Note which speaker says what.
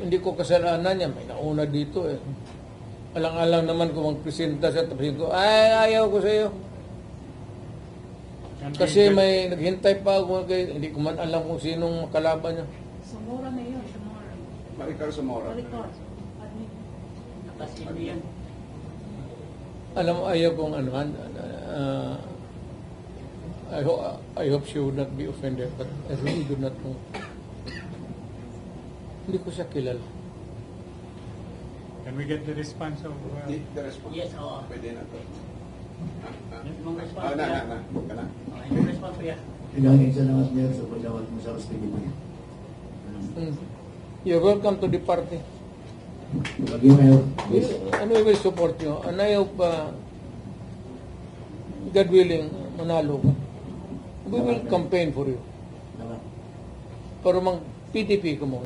Speaker 1: hindi ko kasalanan yan. May nauna dito eh. Alang-alang naman kung magpresenta siya, tapos ko, ay, ayaw ko sa iyo. Kasi may naghintay pa ako, hindi ko man alam kung sinong kalaban niya.
Speaker 2: Zamora na yun, Zamora.
Speaker 3: Maricar Zamora.
Speaker 2: Maricar.
Speaker 4: Nakasindi yan.
Speaker 1: Alam mo, ayaw kong ano, I hope she would not be offended, but I really do not know. Hindi ko siya kilala.
Speaker 5: Can we get the response of...
Speaker 3: The response.
Speaker 4: Yes, oo.
Speaker 3: Pwede na to.
Speaker 4: Yung response
Speaker 3: Na.
Speaker 4: niya.
Speaker 3: Kana.
Speaker 4: Yung response niya.
Speaker 6: Pinangin salamat niya sa pagdawat mo sa hospital niya.
Speaker 1: You're welcome to the party.
Speaker 6: Lagi mayor.
Speaker 1: Ano yung will support nyo? And I hope, God willing, manalo ka. We will campaign for you. Para mang PDP ka mo.